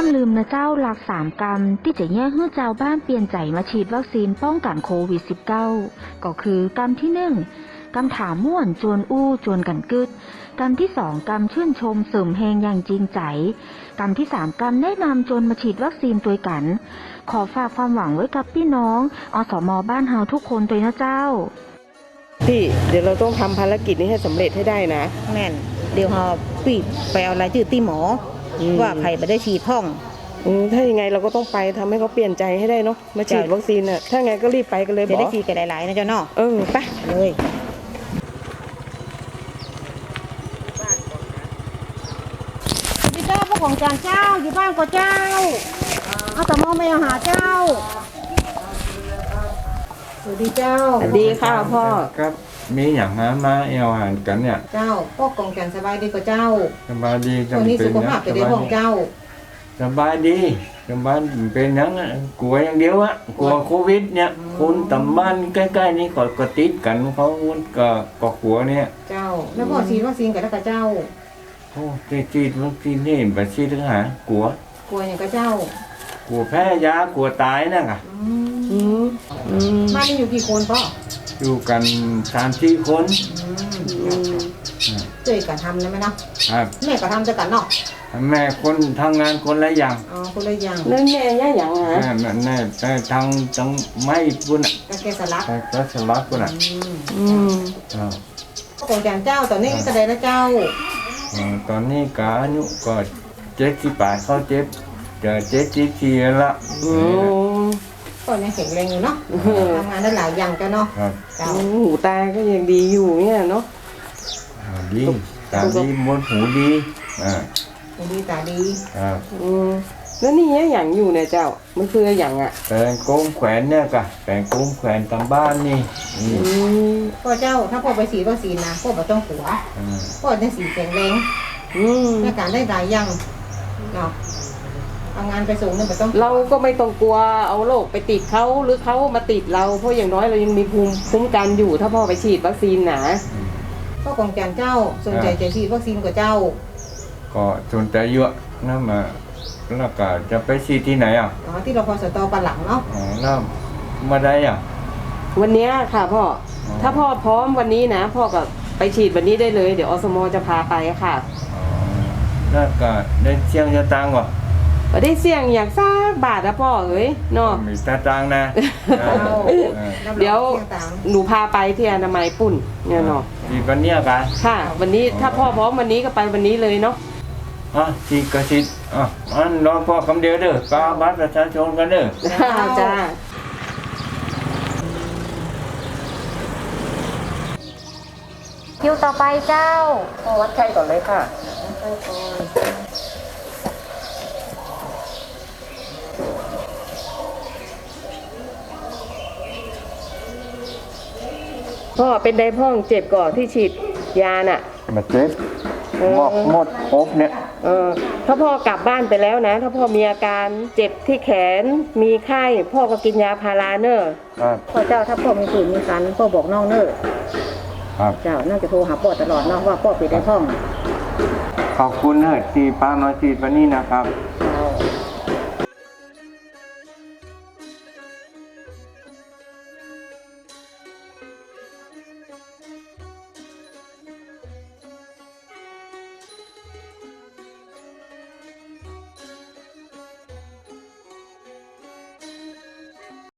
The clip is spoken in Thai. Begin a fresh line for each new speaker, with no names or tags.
ลืมนะเจ้าหลัก3 กรรมที่จะแย่ให้เจ้าบ้านเปลี่ยนใจมาฉีดวัคซีนป้องกันโควิด -19 ก็คือกรรมที่1กรรมถามม่วนจวนอู้จวนกันกึดกรรมที่2กรรมชื่นชมเสริมแหงอย่างจริงใจกรรมที่3กรรมแนะนำจนมาฉีดวัคซีนตัวกันขอฝากความหวังไว้กับพี่น้องอสม.บ้านเฮาทุกคนตัวนะเจ้า
พี่เดี๋ยวเราต้องทำภารกิจนี้ให้สำเร็จให้ได้นะ
แม่นเดี๋ยวเราปีไปเอารายชื่อที่หมอว่าใครไปได้ฉีดพ่อง
ถ้ายังไงเราก็ต้องไปทำให้เขาเปลี่ยนใจให้ได้เนาะมาฉีดวัคซีนน่ะถ้าไงก็รีบไปกันเลย
จะได้ฉีดกันหลายๆนะเจ้าเนาะ
ไป
เลยพี่เจ้าพวกของจานเจ้าอยู่บ้านก็เจ้าเอาแต่มองไม่เอาหาเจ้าสวัสดีเจ้า
สวัสดีค่ะพ่อ
ครับมีอย่างนั้นมาเอาอาหารกันเนี่ย
เจ้าพวกกองกันสบายดีกว่าเจ้า
สบายดี
จังเป็นสุขภาพไปได้ของเจ้า
สบายดีสบายเป็นยังกลัวอย่างเดียวอะกลัวโควิดเนี่ยคนตำบ้านใกล้ๆนี้ก็ติดกันเขาก็กลัวเนี่ย
เจ้าแล้วพอฉีดวัคซีนกันแล้วกับเจ้า
โอ้ฉีดวัคซีนนี่แบบฉีดทั้งหากลัว
อย่างกับเจ้
ากลัวแพ้ยากลัวตายนะค่ะ
บ้านนี้อยู่กี่คนพ่อ
อยู่กัน3-4 คน
เจ๊ก็ทำนะแม่เนาะแม่ก็ทำจะกันเนาะ
แม่คนทำงานคนละอย่าง
คนละอย่าง
แล้วแม่อย่างฮะ
แม่ทางไม่ปุ่นอ่ะ
แกสลัก
ปุ่นอ่ะ
ของจานเจ้าตอนนี้ก็ได้แล้วเจ้า
ตอนนี้ก็อายุก็78เข้าจะ74ละ
ก็ยังแข็งแรงอยู่เนาะทำงานได้หลายอย่างเจ้าเนาะ
หูตาก็ยังดีอยู่เนี่ยเนาะ
ดีตาดีมดหูดี
หูดีตาดี
แล้วนี่อย่างอยู่เนี่ยเจ้ามันคืออย่างอ่ะ
แปลงโก้งแขวนเนี่ยกะแปลงโก้งแขวนตามบ้านนี่
พ่อเจ้าถ้าพ่อไปฉีดวัคซีนนะพ่อไม่ต้องกลัวพ่อจะฉีดแข็งแรงในการได้หลายอย่างเนาะทำงานไปสูงเนี่ยไม่ต้อง
เราก็ไม่ต้องกลัวเอาโรคไปติดเขาหรือเขามาติดเราเพราะอย่างน้อยเรายังมีภูมิคุ้มกันอยู่ถ้าพ่อไปฉีดวัคซีนนะ
พ่อกองจานเจ้าสนใจจะฉีดวัคซีนกับเจ้า
ก็สนใจเยอะนั่นมาแล้วก็จะไปฉีดที่ไหน
ที่เราพอสตอปันหลังเนาะ
แล้วมาได้
วันนี้ค่ะพ่อถ้าพ่อพร้อมวันนี้นะพ่อก็ไปฉีดวันนี้ได้เลยเดี๋ยวอสม.จะพาไปค่ะ
แล้วก็ได้เสี่ยงจะตังวะ
ได้เสี่ยงอยากสักบาทนะพ่อเอ้ยเนาะ
มีตาตังนะ
เดี๋ยวหนูพาไปที่อนามัยปุ่นเนี่ยเนาะ
วันนี้กัน
ค่ะวันนี้ถ้าพ่อพร้อมวันนี้ก็ไปวันนี้เลยเนาะ
ฉีดก็ฉีดรอพ่อคำเดียวเด้อกาบัตรประชาชนกันเด้อ
จ้า
คิวต่อไปเจ้า
วัดไข้ก่อนเลยค่ะพ่อเป็นไดพ่องเจ็บก่อนที่ฉีดยาน่ะ
มาเจ็บหมดครบเนี่ย
ถ้าพ่อกลับบ้านไปแล้วนะถ้าพ่อมีอาการเจ็บที่แขนมีไข้พ่อก็กินยาพาราเนอร์
พ่อเจ้าถ้าพ่อมีผื่นมีคันพ่อบอกน้องเนอร์เจ้าน่าจะโทรหาพ่อตลอดเนาะว่าพ่อเป็นไดพ่อง
ขอบคุณเนอร์ที่ป้าน้อยฉีดวันนี้นะครับ